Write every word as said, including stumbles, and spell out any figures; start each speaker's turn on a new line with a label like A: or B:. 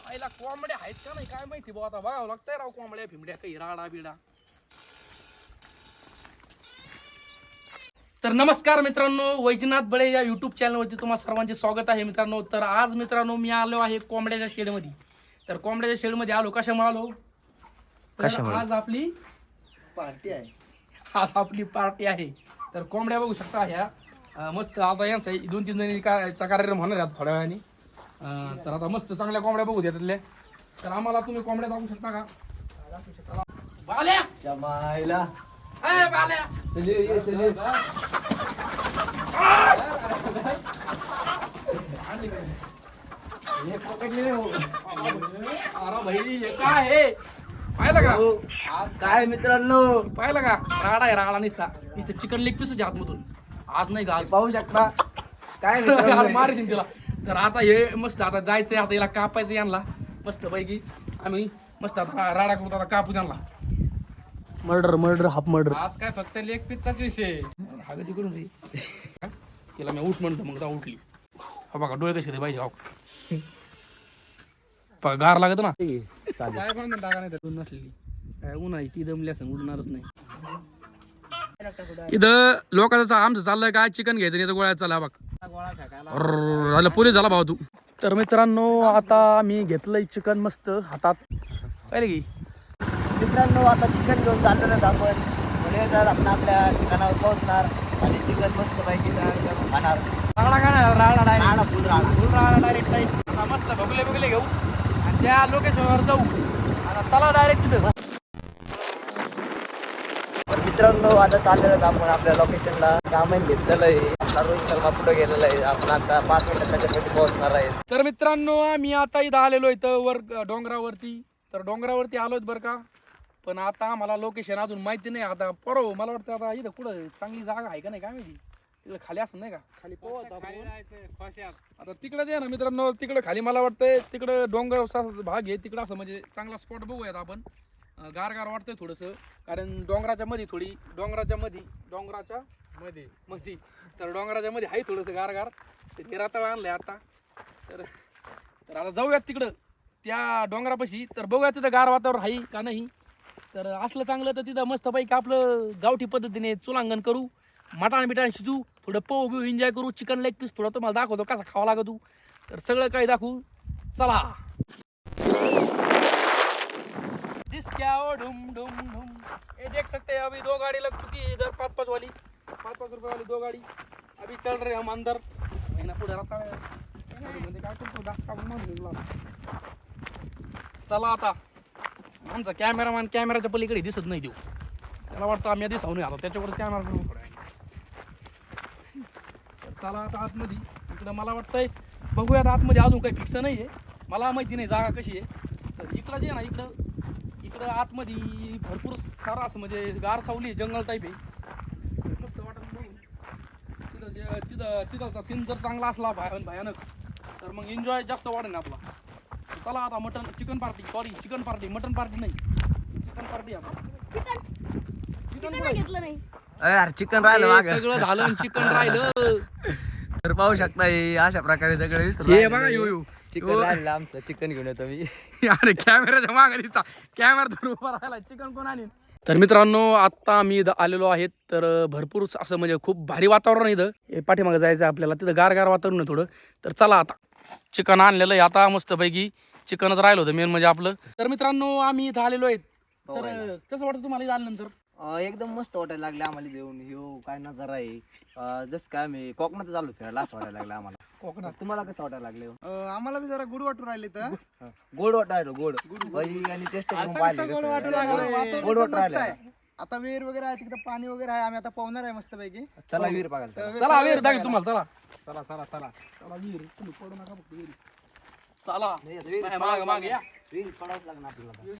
A: आईला कोंबड्या आहेत का नाही काय माहिती भाऊ, आता बघावं लागतंय राव कोंबड्या फिंबड्या काही राडा बिडा. तर नमस्कार मित्रांनो, वैजनाथ बळे या युट्यूब चॅनलवरती तुम्हा सर्वांचे स्वागत आहे मित्रांनो. तर आज मित्रांनो मी आलो आहे कोंबड्याच्या शेडमध्ये. तर कोंबड्याच्या शेडमध्ये आलो कशामुळे आलो, तर आज आपली पार्टी आहे. आज आपली पार्टी आहे. तर कोंबड्या बघू शकता ह्या मस्त. आता यांचा दोन तीन जणीचा कार्यक्रम होणार आहे थोड्या वेळाने. तर आता मस्त चांगल्या कोंबड्या बघू द्या त्यातल्या. तर आम्हाला तुम्ही कोंबड्या दाखवू शकता का? बाल्या
B: जमायला
A: ए बाल्या
B: चले ये चले ये पकडले हो.
A: अरे भाई हे काय आहे पाहिलं का?
B: आज काय मित्रांनो
A: पाहिलं का? राडा आहे राडा. निसता नुसतं चिकन लेग पीसच आतमधून. आज नाही का आज
B: पाहू शकता काय
A: मारशील तिला. तर आता हे मस्त आता जायचंय, आता याला कापायचं यांना मस्त पैकी. आम्ही मस्त आता राडा करतो, आता कापू त्यांना.
B: Murder murder half murder.
A: आज काय फक्त लेग पीसचाच विषय. हाग तिकडून रे तिला मी उठ म्हणतो, मग जा उठली. हा बघा डोळे कसे पाहिजे. हो गार लागत ना काय पण टाका नाही तर नसलेली काय उन्हाळी ती दमली असं उडणारच नाही. इथं लोकांचं आमचं चाललंय काय चिकन घ्यायचं नाही तर गोळ्यात चालला बघ. झालं पुरे झाला भाऊ तू. तर मित्रांनो आता मी घेतलंय चिकन मस्त हातात. पाहिले की
B: मित्रांनो आता चिकन घेऊन चाललो ना आपण. पुढे जर आपण आपल्या ठिकाणावर पोहोचणार आणि चिकन मस्त पैकी खाणार.
A: राडा काय नाही, राडा डायरेक्ट
B: राडा फुल राडा
A: फुल राडा डायरेक्ट टाईप. आता मस्त बघले बघले घेऊ आणि त्या लोकेशनवर जाऊ. आता चला डायरेक्ट तिथं.
B: तर मित्रांनो आता चाललेलं आपण आपल्या लोकेशनला. सामान घेतलेलं आहे. आपला रोहित शर्मा पुढे गेलेला आहे. आपण आता पाच मिनिटात त्याच्यापाशी पोहोचणार आहे.
A: तर मित्रांनो आम्ही आता इथं आलेलो इथं वर डोंगरावरती. तर डोंगरावरती आलोच बरं का. पण आता मला लोकेशन अजून माहिती नाही. आता परव मला वाटतं आता इथं कुठं चांगली जागा आहे का नाही काय माहिती. तिकडे खाली असं नाही का खाली आता तिकडे जे आहे ना मित्रांनो, तिकडे खाली मला वाटतंय तिकडं डोंगर भाग आहे तिकडं असं म्हणजे चांगला स्पॉट बघूयात आपण. गार गार वाटतंय थोडंसं, कारण डोंगराच्या मध्ये थोडी डोंगराच्या मध्ये डोंगराच्या मध्ये मध्ये तर डोंगराच्या मध्ये आहे थोडंसं गार गार. ते रातळ आणलंय आता. तर तर आता जाऊयात तिकडं त्या डोंगरापाशी. तर बघूया तिथं गार वातावरण आहे का नाही. तर असलं चांगलं तर तिथं मस्तपैकी आपलं गावठी पद्धतीने चुलांगण करू, मटाण बिटाण शिजू, थोडं पोह बिऊ एन्जॉय करू. चिकन लेग पीस थोडं तुम्हाला दाखवतो कसा खावा लागतो. तर सगळं काही दाखवू. चला क्या ढुम ढुम ढुम. ये देख सकते हैं अभी दो गाड़ी लग चुकी है इधर. पाँच पाँच वाली पाँच पाँच रुपए वाली दो गाड़ी अभी चल रहे हम अंदर. पुढे राहता काय करतो दाखवा म्हणून. चला आता आमचा कॅमेरामॅन कॅमेराच्या पलीकडे दिसत नाही देऊ. त्याला वाटतं आम्ही दिसावून नाही आलो त्याच्यावर कॅमेरा करून पुढे. चला आता आतमध्ये. इकडं मला वाटतंय बघूयात आतमध्ये अजून काही फिक्स नाही आहे. मला माहिती नाही जागा कशी आहे. तर इकडं जे आहे ना इकडं इकडं आतमध्ये भरपूर सारा असं म्हणजे गार सावली जंगल टाईप आहे. मस्त वाटत बघून. तिथं जे तिथं तिथं सीन जर चांगला असला भयान भयानक तर मग एन्जॉय जास्त वाढेल आपला. चला आता mutton chicken party sorry chicken party mutton party नाही चिकन पार्टी. आता चिकन
C: घेतलं नाही
B: अरे चिकन राहिलं मागं.
A: सगळं झालं चिकन राहिलं.
B: तर पाहू शकता अशा प्रकारे सगळे
A: हे बघा यो यो
B: चिकन राहिलं आमचं. चिकन घेऊन येतो मी.
A: अरे कॅमेराच्या मागे दिसता कॅमेरा धरून उभा राहिला. चिकन कोण आणीन. तर मित्रांनो आता मी इथं आलेलो आहे. तर भरपूर असं म्हणजे खूप भारी वातावरण आहे इथं. पाठीमागे जायचं आहे आपल्याला. तिथं गार गार वातावरण आहे थोडं. तर चला आता चिकन आणलेलं आहे आता मस्तपैकी. चिकनच राहिलं होतं मेन म्हणजे आपलं. तर मित्रांनो आम्ही इथं आलेलो आहेत. तर कसं वाटतं तुम्हाला इथं आल्यानंतर?
B: एकदम मस्त वाटायला लागले आम्हाला देऊन. ह्यो काय नजारा आहे. जस काय आम्ही कोकणात चालू फिरायला असं वाटायला लागलं आम्हाला.
A: कोकणात
B: तुम्हाला कसं वाटायला लागले?
D: आम्हाला बी जरा गुड वाटू राहिले तर
B: गोड वाटायला गोड भाई आणि टेस्ट करून पाहिले
A: गोड वाटू
B: कसं.
A: लागलं.
B: गोड वाटू राहिले.
D: आता विहीर वगैरे आहे तिकडे पाणी वगैरे आहे. आम्ही आता पाहणार आहे मस्त पैकी.
B: चला वीर बघायला.
A: चला वीर दाखव तुम्हाला. चला चला चला चला चला वीर तुम्ही पडू नका फक्त वीर. चला माग माग या
B: वीर पडावंच लागणार आपल्याला.